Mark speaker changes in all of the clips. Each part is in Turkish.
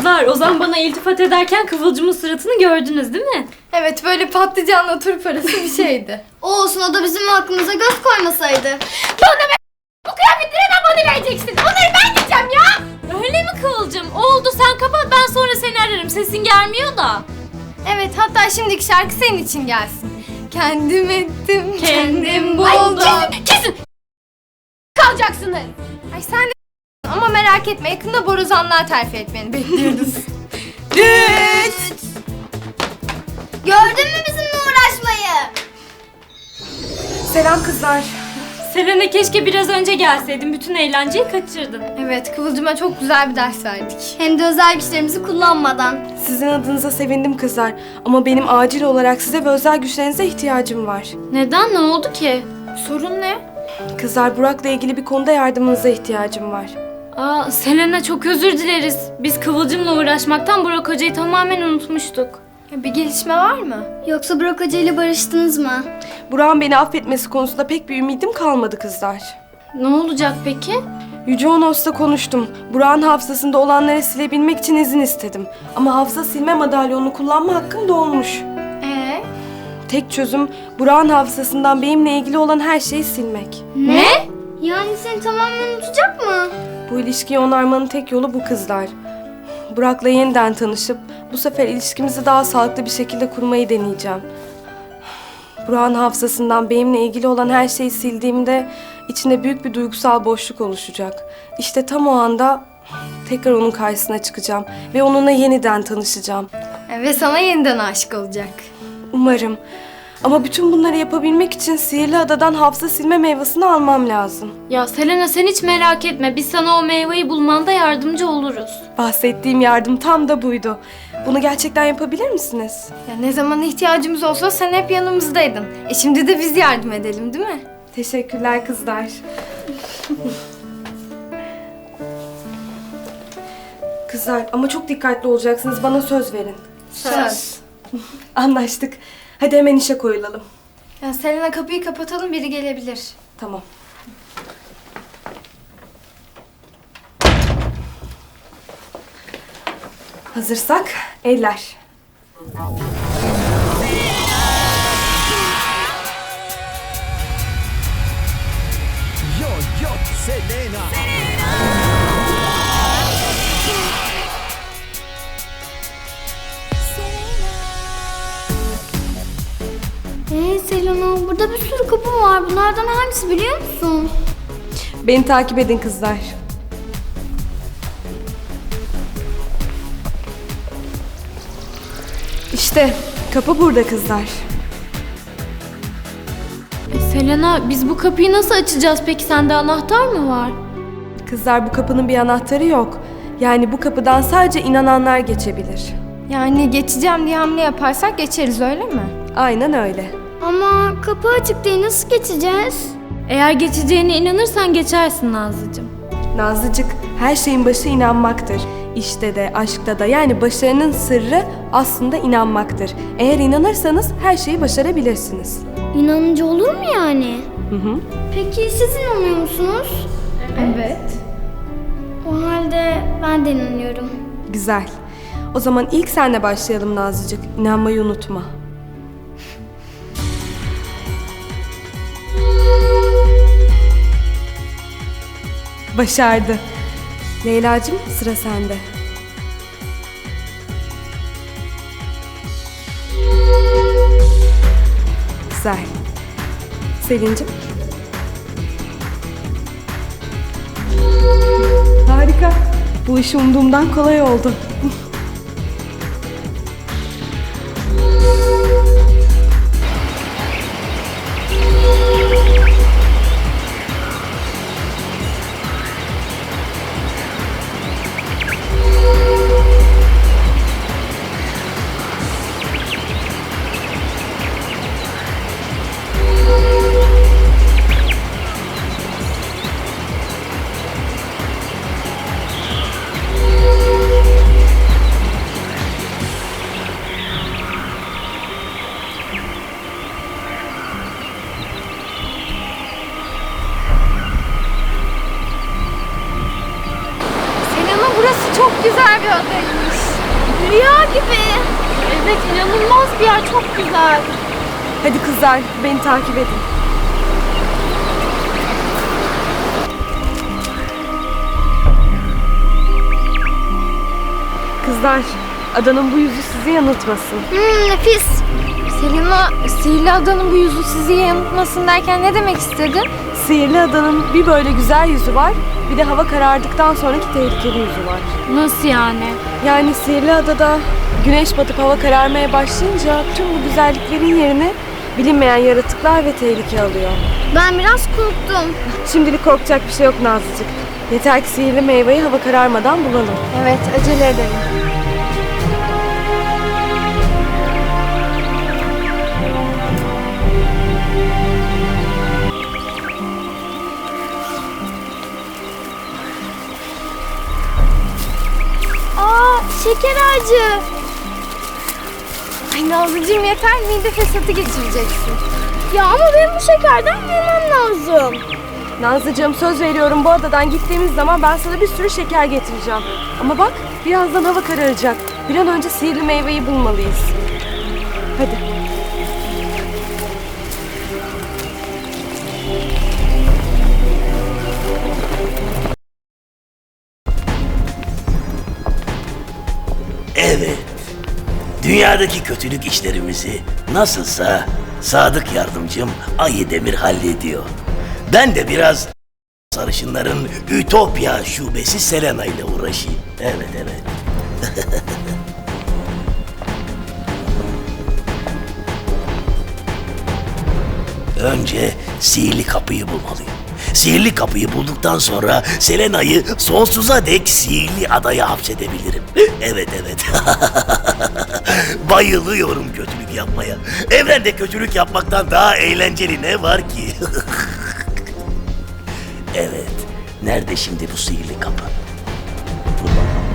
Speaker 1: Kızlar, Ozan bana iltifat ederken Kıvılcım'ın suratını gördünüz değil mi?
Speaker 2: Evet, böyle patlıcanla turp arası bir şeydi.
Speaker 3: Olsun, o da bizim hakkımıza göz koymasaydı.
Speaker 1: Bana ver! Bu kıyafetleri hemen bana vereceksin. Onları ben giyeceğim ya! Öyle mi Kıvılcım? Oldu, sen kapat, ben sonra seni ararım. Sesin gelmiyor da.
Speaker 2: Evet, hatta şimdiki şarkı senin için gelsin. Kendim ettim, kendim
Speaker 1: Ay,
Speaker 2: buldum.
Speaker 1: kesin! Kalacaksınız.
Speaker 2: Ay sen de ama merak etme, yakında borazanlığa terfi etmeni bekliyoruz.
Speaker 3: Düt! Gördün mü bizimle uğraşmayı?
Speaker 2: Selam kızlar.
Speaker 1: Selena, keşke biraz önce gelseydin. Bütün eğlenceyi kaçırdın.
Speaker 2: Evet, Kıvılcım'a çok güzel bir ders verdik.
Speaker 3: Hem de özel güçlerimizi kullanmadan.
Speaker 4: Sizin adınıza sevindim kızlar. Ama benim acil olarak size ve özel güçlerinize ihtiyacım var.
Speaker 1: Neden? Ne oldu ki?
Speaker 2: Sorun ne?
Speaker 4: Kızlar, Burak'la ilgili bir konuda yardımınıza ihtiyacım var.
Speaker 1: Aa, Selena, çok özür dileriz. Biz Kıvılcım'la uğraşmaktan Burak Hoca'yı tamamen unutmuştuk.
Speaker 2: Bir gelişme var mı?
Speaker 3: Yoksa Burak Hoca ile barıştınız mı?
Speaker 4: Burak'ın beni affetmesi konusunda pek bir ümidim kalmadı kızlar.
Speaker 1: Ne olacak peki?
Speaker 4: Yüce Onos'la konuştum. Burak'ın hafızasında olanları silebilmek için izin istedim. Ama hafıza silme madalyonunu kullanma hakkım dolmuş. Tek çözüm Burak'ın hafızasından benimle ilgili olan her şeyi silmek.
Speaker 1: Ne?
Speaker 3: Yani seni tamamen unutacak mı?
Speaker 4: Bu ilişkiyi onarmanın tek yolu bu kızlar. Burak'la yeniden tanışıp bu sefer ilişkimizi daha sağlıklı bir şekilde kurmayı deneyeceğim. Burak'ın hafızasından benimle ilgili olan her şeyi sildiğimde içinde büyük bir duygusal boşluk oluşacak. İşte tam o anda tekrar onun karşısına çıkacağım ve onunla yeniden tanışacağım.
Speaker 2: Ve sana yeniden aşık olacak.
Speaker 4: Umarım. Ama bütün bunları yapabilmek için sihirli adadan hafıza silme meyvesini almam lazım.
Speaker 1: Ya Selena, sen hiç merak etme. Biz sana o meyveyi bulmanda yardımcı oluruz.
Speaker 4: Bahsettiğim yardım tam da buydu. Bunu gerçekten yapabilir misiniz?
Speaker 2: Ya ne zaman ihtiyacımız olsa sen hep yanımızdaydın. Şimdi de biz yardım edelim, değil mi?
Speaker 4: Teşekkürler kızlar. Kızlar, ama çok dikkatli olacaksınız. Bana söz verin.
Speaker 2: Söz.
Speaker 4: Anlaştık. Hadi hemen işe koyulalım.
Speaker 2: Ya Selena, kapıyı kapatalım, biri gelebilir.
Speaker 4: Tamam. Hazırsak eller.
Speaker 5: Yo, yo, Selena.
Speaker 3: Selena, burada bir sürü kapı var. Bunlardan hangisi biliyor musun?
Speaker 4: Beni takip edin kızlar. İşte kapı burada kızlar.
Speaker 1: Selena, biz bu kapıyı nasıl açacağız peki? Sende anahtar mı var?
Speaker 4: Kızlar, bu kapının bir anahtarı yok. Yani bu kapıdan sadece inananlar geçebilir.
Speaker 2: Yani geçeceğim diye hamle yaparsak geçeriz, öyle mi?
Speaker 4: Aynen öyle.
Speaker 3: Ama kapı açık değil, nasıl geçeceğiz?
Speaker 1: Eğer geçeceğine inanırsan geçersin Nazlıcığım.
Speaker 4: Nazlıcık, her şeyin başı inanmaktır. İşte de, aşkta da, yani başarının sırrı aslında inanmaktır. Eğer inanırsanız her şeyi başarabilirsiniz.
Speaker 3: İnanınca olur mu yani?
Speaker 4: Hı hı.
Speaker 3: Peki siz inanıyor musunuz?
Speaker 2: Evet.
Speaker 3: O halde ben de inanıyorum.
Speaker 4: Güzel. O zaman ilk senle başlayalım Nazlıcık. İnanmayı unutma. Başardı. Leyla'cığım, sıra sende. Güzel. Selin'cim. Harika. Bu iş umduğumdan kolay oldu.
Speaker 2: Rüya gibi. Evet, inanılmaz bir yer, çok güzel.
Speaker 4: Hadi kızlar, beni takip edin. Kızlar, adanın bu yüzü sizi yanıltmasın.
Speaker 2: Nefis. Selena, sihirli adanın bu yüzü sizi yanıltmasın derken ne demek istedin?
Speaker 4: Sihirli adanın bir böyle güzel yüzü var, bir de hava karardıktan sonraki tehlikeli yüzü var.
Speaker 1: Nasıl yani?
Speaker 4: Yani sihirli adada güneş batıp hava kararmaya başlayınca tüm bu güzelliklerin yerine bilinmeyen yaratıklar ve tehlike alıyor.
Speaker 2: Ben biraz korktum.
Speaker 4: Şimdilik korkacak bir şey yok Nazlıcık. Yeter ki sihirli meyveyi hava kararmadan bulalım.
Speaker 2: Evet, acele edelim. Şeker ağacı. Ay Nazlıcığım yeter, mide fesatı geçireceksin. Ya ama benim bu şekerden yemem lazım.
Speaker 4: Nazlıcığım söz veriyorum bu adadan gittiğimiz zaman ben sana bir sürü şeker getireceğim. Ama bak birazdan hava kararacak. Bir an önce sihirli meyveyi bulmalıyız. Hadi.
Speaker 6: Evet. Dünyadaki kötülük işlerimizi nasılsa sadık yardımcım Ayı Demir hallediyor. Ben de biraz sarışınların Ütopya şubesi Selena ile uğraşayım. Evet evet. Önce sihirli kapıyı bulmalıyım. Sihirli kapıyı bulduktan sonra Selena'yı sonsuza dek sihirli adaya hapsedebilirim. Evet evet. Bayılıyorum kötülük yapmaya. Evrende kötülük yapmaktan daha eğlenceli ne var ki? Evet. Nerede şimdi bu sihirli kapı? Dur bakalım.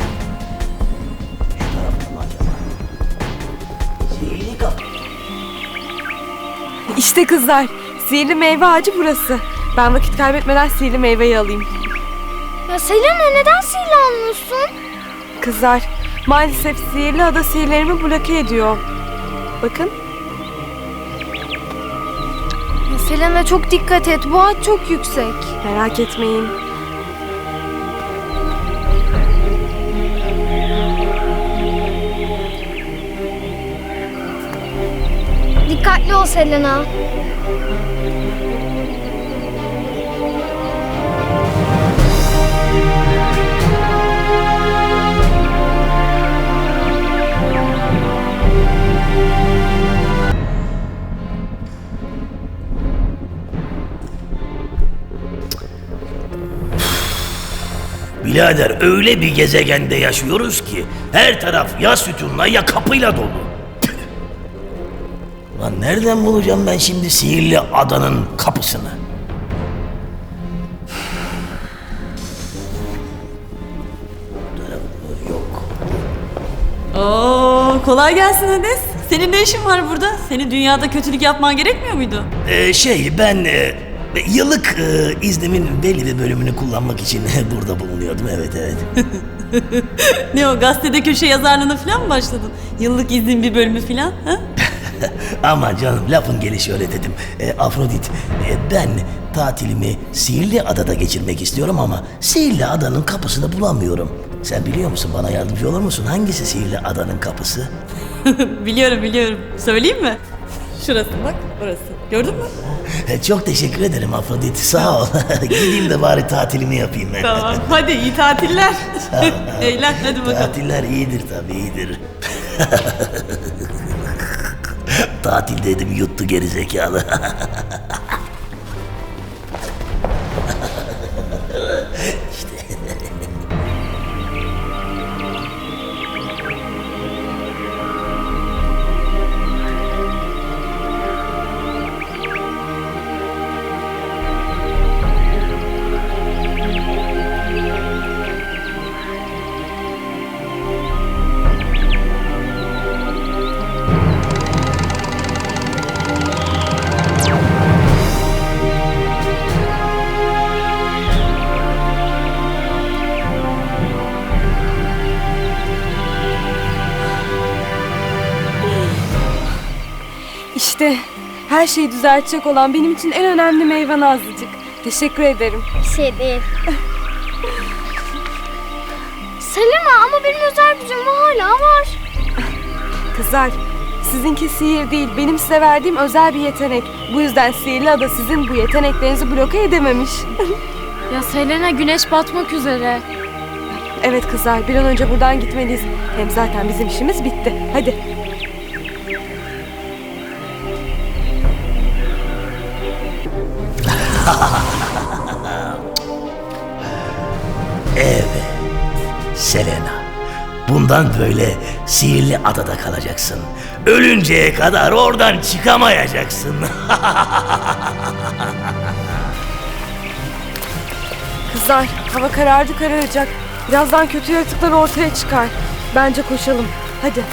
Speaker 6: Şu tarafta mı acaba? Sihirli kapı.
Speaker 4: İşte kızlar, sihirli meyve ağacı burası. Ben vakit kaybetmeden sihirli meyveyi alayım.
Speaker 2: Ya Selena, neden sihirli almıyorsun?
Speaker 4: Kızlar, maalesef sihirli ada sihirlerimi bloke ediyor. Bakın.
Speaker 2: Ya Selena çok dikkat et, bu ağaç çok yüksek.
Speaker 4: Merak etmeyin.
Speaker 2: Dikkatli ol Selena.
Speaker 6: Birader öyle bir gezegende yaşıyoruz ki her taraf ya sütunla ya kapıyla dolu. Tüh! Lan nereden bulacağım ben şimdi sihirli adanın kapısını? Yok.
Speaker 7: Oo, kolay gelsin Hades. Senin ne işin var burada? Senin dünyada kötülük yapman gerekmiyor muydu?
Speaker 6: Ben yıllık iznimin belli bir bölümünü kullanmak için burada bulunuyordum. Evet evet.
Speaker 7: Ne o, gazetede köşe yazarlığına falan mı başladın? Yıllık iznin bir bölümü falan, ha?
Speaker 6: Ama canım lafın gelişi öyle dedim. Afrodit, ben tatilimi Sihirli Adada geçirmek istiyorum ama Sihirli Adanın kapısını bulamıyorum. Sen biliyor musun, bana yardımcı olur musun? Hangisi Sihirli Adanın kapısı?
Speaker 7: Biliyorum. Söyleyeyim mi? Şurası bak, orası. Gördün mü?
Speaker 6: Çok teşekkür ederim Afrodit, sağ ol. Gideyim de bari tatilimi yapayım ben.
Speaker 7: Tamam, hadi iyi tatiller. Eğlen, hadi bakalım.
Speaker 6: Tatiller iyidir tabii, iyidir. Tatil dedim, yuttu gerizekalı.
Speaker 4: İşte her şeyi düzeltecek olan benim için en önemli meyve Nazlıcık. Teşekkür ederim.
Speaker 3: Bir şey değil. Selena ama benim özel gücüm hala var.
Speaker 4: Kızlar, sizinki sihir değil, benim size verdiğim özel bir yetenek. Bu yüzden Sihirli Ada sizin bu yeteneklerinizi bloke edememiş.
Speaker 1: Ya Selena, güneş batmak üzere.
Speaker 4: Evet kızlar, bir an önce buradan gitmeliyiz. Hem zaten bizim işimiz bitti. Hadi.
Speaker 6: Evet, Selena. Bundan böyle sihirli adada kalacaksın. Ölünceye kadar oradan çıkamayacaksın.
Speaker 4: Kızlar, hava karardı kararacak. Birazdan kötü yaratıklar ortaya çıkar. Bence koşalım. Hadi.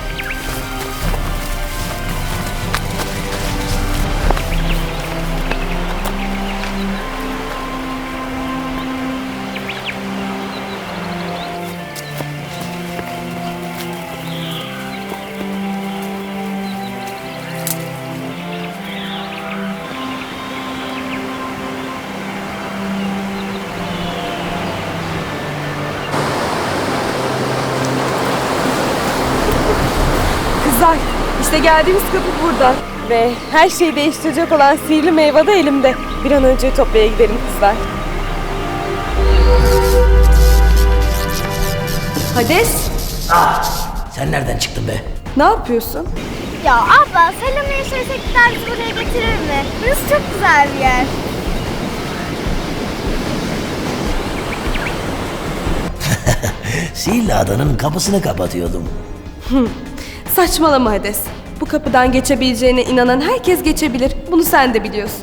Speaker 4: Kızlar, işte geldiğimiz kapı burada. Ve her şeyi değiştirecek olan sihirli meyve de elimde. Bir an önce Ütopya'ya gidelim kızlar. Hades,
Speaker 6: Sen nereden çıktın be?
Speaker 4: ne yapıyorsun?
Speaker 3: Ya abla Selena'yı söylesekler bizi buraya getirir mi? Burası çok güzel bir yer.
Speaker 6: Sihirli adanın kapısını kapatıyordum.
Speaker 4: Saçmalama Hades. Bu kapıdan geçebileceğine inanan herkes geçebilir. Bunu sen de biliyorsun.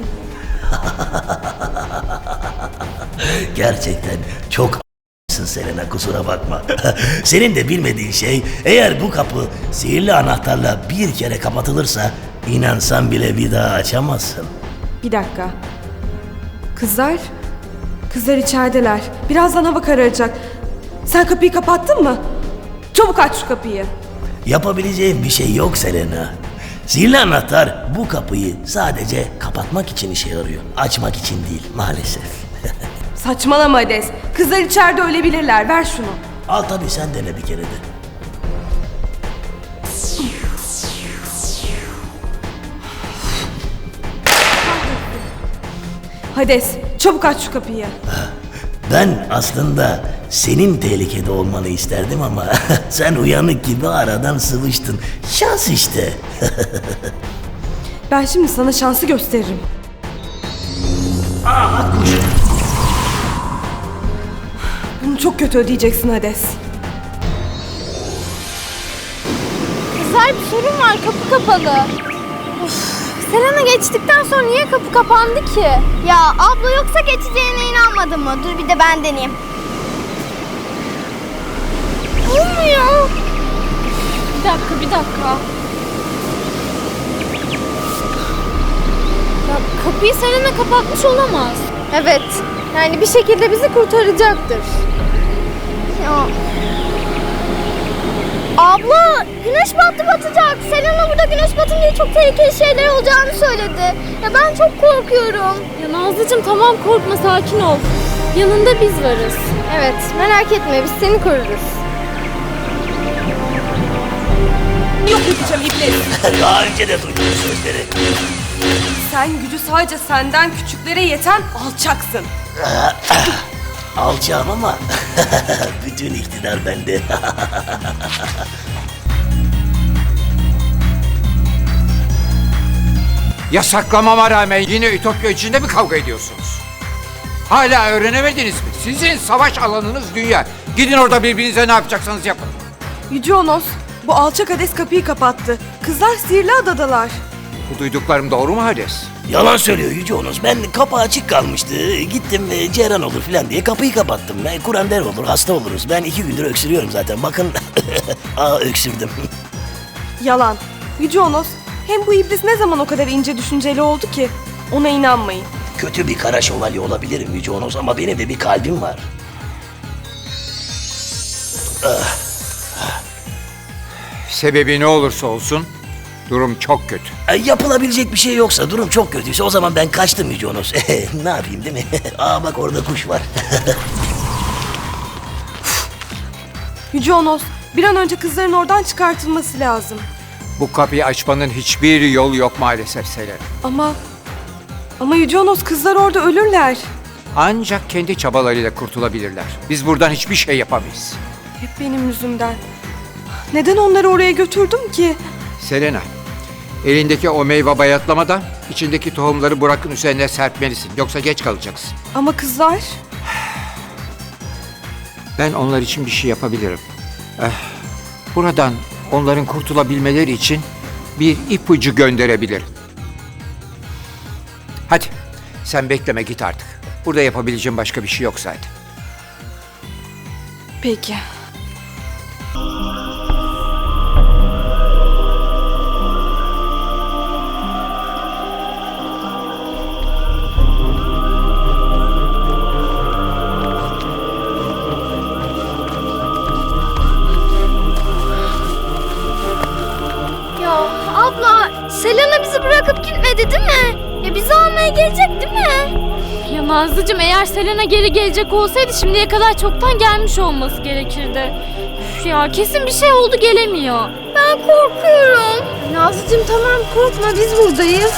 Speaker 6: Gerçekten çok Selena, kusura bakma. Senin de bilmediğin şey, eğer bu kapı sihirli anahtarla bir kere kapatılırsa inansan bile bir daha açamazsın.
Speaker 4: Bir dakika. Kızlar? Kızlar içerideler. Birazdan hava kararacak. Sen kapıyı kapattın mı? Çabuk aç şu kapıyı.
Speaker 6: Yapabileceğim bir şey yok Selena. Sihirli anahtar bu kapıyı sadece kapatmak için işe yarıyor. Açmak için değil maalesef.
Speaker 4: Saçmalama Hades. Kızlar içeride ölebilirler. Ver şunu.
Speaker 6: Al tabii, sen dene bir kere de.
Speaker 4: Hades, çabuk aç şu kapıyı.
Speaker 6: Ben aslında senin tehlikede olmanı isterdim ama sen uyanık gibi aradan sıvıştın. Şans işte.
Speaker 4: Ben şimdi sana şansı gösteririm. Bunu çok kötü ödeyeceksin Hades.
Speaker 2: Kızlar bir sorun var, kapı kapalı. Of, Selena geçtikten sonra niye kapı kapandı ki?
Speaker 3: Ya abla yoksa geçeceğine inanmadın mı? Dur bir de ben deneyeyim. Olmuyor.
Speaker 1: Bir dakika. Ya kapıyı Selena kapatmış olamaz.
Speaker 2: Evet, yani bir şekilde bizi kurtaracaktır.
Speaker 3: Ya. Abla güneş battı batacak. Selena burada güneş batınca çok tehlikeli şeyler olacağını söyledi. Ya ben çok korkuyorum.
Speaker 1: Ya Nazlıcığım, tamam, korkma, sakin ol. Yanında biz varız.
Speaker 2: Evet, merak etme, biz seni koruruz.
Speaker 4: Yok edeceğim iblis.
Speaker 6: Daha önce de duydum bu sözleri.
Speaker 4: Sen gücü sadece senden küçüklere yeten alçaksın.
Speaker 6: Alacağım ama bütün iktidar bende.
Speaker 8: Yasaklamama rağmen yine Ütopya içinde mi kavga ediyorsunuz? Hala öğrenemediniz mi? Sizin savaş alanınız dünya. Gidin orada birbirinize ne yapacaksanız yapın.
Speaker 4: Yüce Onos, bu alçak Hades kapıyı kapattı. Kızlar sihirli adadalar.
Speaker 8: Bu duyduklarım doğru mu Hades?
Speaker 6: Yalan söylüyor Yüce Onos. Ben kapı açık kalmıştı. Gittim cerran olur falan diye kapıyı kapattım. Kur'an der olur, hasta oluruz. Ben 2 gündür öksürüyorum zaten. Bakın, öksürdüm.
Speaker 4: Yalan. Yüce Onos, hem bu iblis ne zaman o kadar ince düşünceli oldu ki? Ona inanmayın.
Speaker 6: Kötü bir kara şövalye olabilirim Yüce Onos ama benim de bir kalbim var.
Speaker 8: Sebebi ne olursa olsun Durum çok kötü.
Speaker 6: Yapılabilecek bir şey yoksa, durum çok kötüyse o zaman ben kaçtım Yüce Onos. Ne yapayım değil mi? Aa bak orada kuş var.
Speaker 4: Yüce Onos, bir an önce kızların oradan çıkartılması lazım.
Speaker 8: Bu kapıyı açmanın hiçbir yolu yok maalesef Selena.
Speaker 4: Ama Yüce Onos, kızlar orada ölürler.
Speaker 8: Ancak kendi çabalarıyla kurtulabilirler. Biz buradan hiçbir şey yapamayız.
Speaker 4: Hep benim yüzümden. Neden onları oraya götürdüm ki?
Speaker 8: Selena, elindeki o meyve bayatlamadan içindeki tohumları Burak'ın üzerine serpmelisin. Yoksa geç kalacaksın.
Speaker 4: Ama kızlar...
Speaker 8: Ben onlar için bir şey yapabilirim. Buradan onların kurtulabilmeleri için bir ipucu gönderebilirim. Hadi sen bekleme, git artık. Burada yapabileceğim başka bir şey yok zaten.
Speaker 4: Peki.
Speaker 3: Ya abla, Selena bizi bırakıp gitmedi değil mi? Ya bizi almaya gelecek değil mi?
Speaker 1: Ya Nazlıcığım, eğer Selena geri gelecek olsaydı şimdiye kadar çoktan gelmiş olması gerekirdi. Üf ya, kesin bir şey oldu, gelemiyor.
Speaker 3: Ben korkuyorum.
Speaker 2: Nazlıcığım tamam, korkma, biz buradayız.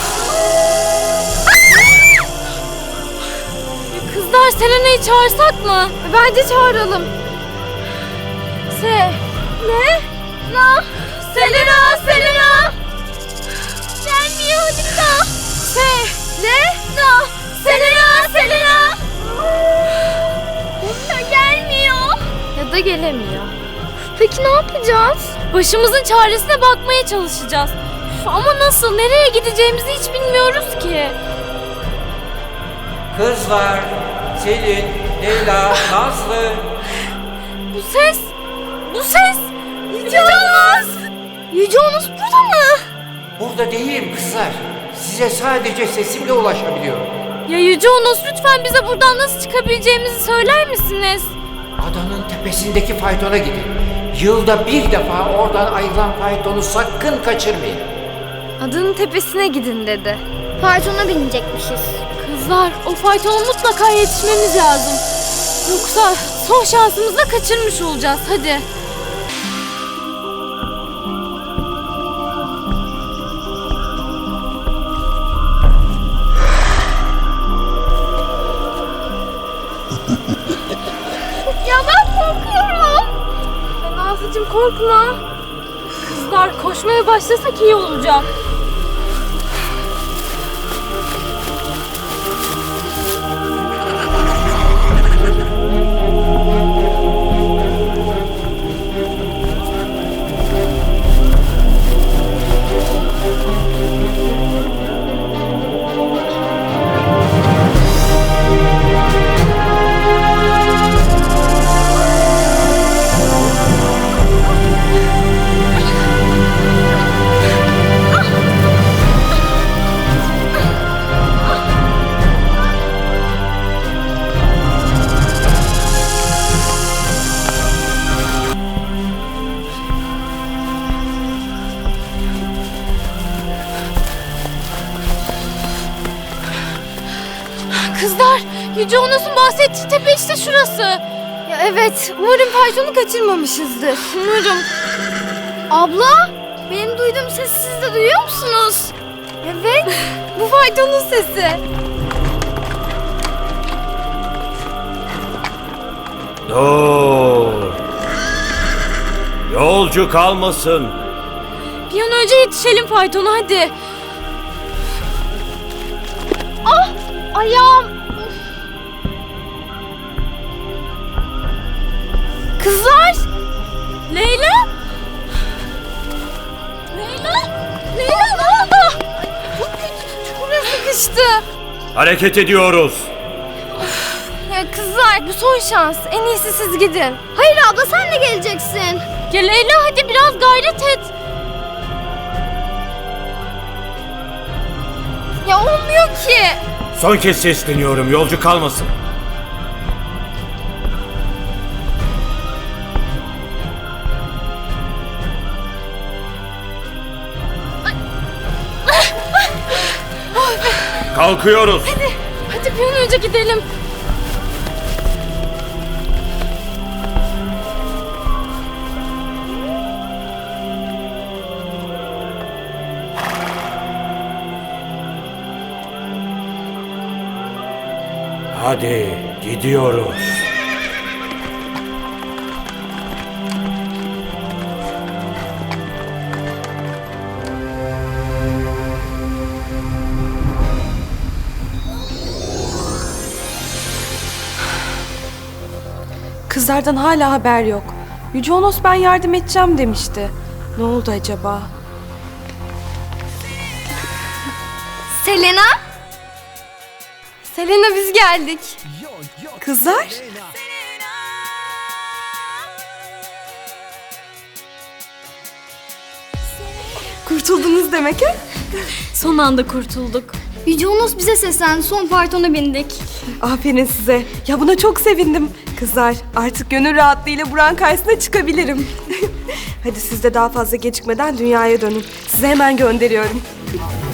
Speaker 1: Ya kızlar, Selena'yı çağırsak mı?
Speaker 2: Bence çağıralım.
Speaker 1: Ne?
Speaker 3: Na,
Speaker 1: Selena, Selena!
Speaker 3: gelmiyor Halika.
Speaker 1: Ne?
Speaker 3: Na, Selena, Selena. Ya gelmiyor.
Speaker 2: Ya da gelemiyor.
Speaker 3: Peki ne yapacağız?
Speaker 1: Başımızın çaresine bakmaya çalışacağız. Üf, ama nasıl, nereye gideceğimizi hiç bilmiyoruz ki.
Speaker 8: Kızlar, Selin, Leyla, Nazlı.
Speaker 1: Bu ses!
Speaker 3: Yüce Onos. Yüce Onos burada mı?
Speaker 8: Burada değilim kızlar. Size sadece sesimle ulaşabiliyorum.
Speaker 1: Ya Yüce Onos, lütfen bize buradan nasıl çıkabileceğimizi söyler misiniz?
Speaker 8: Adanın tepesindeki faytona gidin. Yılda bir defa oradan ayrılan faytonu sakın kaçırmayın.
Speaker 2: Adanın tepesine gidin dedi.
Speaker 3: Faytona binecekmişiz.
Speaker 1: Kızlar, o faytona mutlaka yetişmemiz lazım. Yoksa son şansımızı da kaçırmış olacağız. Hadi.
Speaker 3: Ya ben korkuyorum.
Speaker 2: Nazlıcığım korkma.
Speaker 1: Kızlar, koşmaya başlasak iyi olacak. Kızlar, Yüce Onos'un bahsettiği tepe işte şurası.
Speaker 2: Ya evet, umarım faytonu kaçırmamışızdır.
Speaker 1: Umarım.
Speaker 3: Abla, benim duyduğum sesi siz de duyuyor musunuz?
Speaker 2: Evet, bu faytonun sesi.
Speaker 5: Dur. Yolcu kalmasın.
Speaker 1: Bir an önce yetişelim faytona, hadi.
Speaker 3: Ayağım.
Speaker 1: Kızlar! Leyla! Leyla! Leyla, ne oldu?
Speaker 2: Burası sıkıştı.
Speaker 5: Hareket ediyoruz.
Speaker 2: Ya kızlar, bu son şans. En iyisi siz gidin.
Speaker 3: Hayır abla, sen de geleceksin.
Speaker 1: Ya Leyla, hadi biraz gayret et.
Speaker 2: Ya olmuyor ki.
Speaker 5: Son kez sesleniyorum. Yolcu kalmasın. Kalkıyoruz.
Speaker 2: Hadi bir an önce gidelim.
Speaker 5: Hadi gidiyoruz.
Speaker 4: Kızlardan hala haber yok. Yüce Onos ben yardım edeceğim demişti. Ne oldu acaba?
Speaker 2: Selena? Selena biz geldik.
Speaker 4: Kızlar? Kurtuldunuz demek ha?
Speaker 1: Son anda kurtulduk.
Speaker 3: Yüce Onos bize seslendi. Son faytona bindik.
Speaker 4: Aferin size. Ya buna çok sevindim. Kızlar artık gönül rahatlığıyla Burak'ın karşısına çıkabilirim. Hadi siz de daha fazla gecikmeden dünyaya dönün. Size hemen gönderiyorum.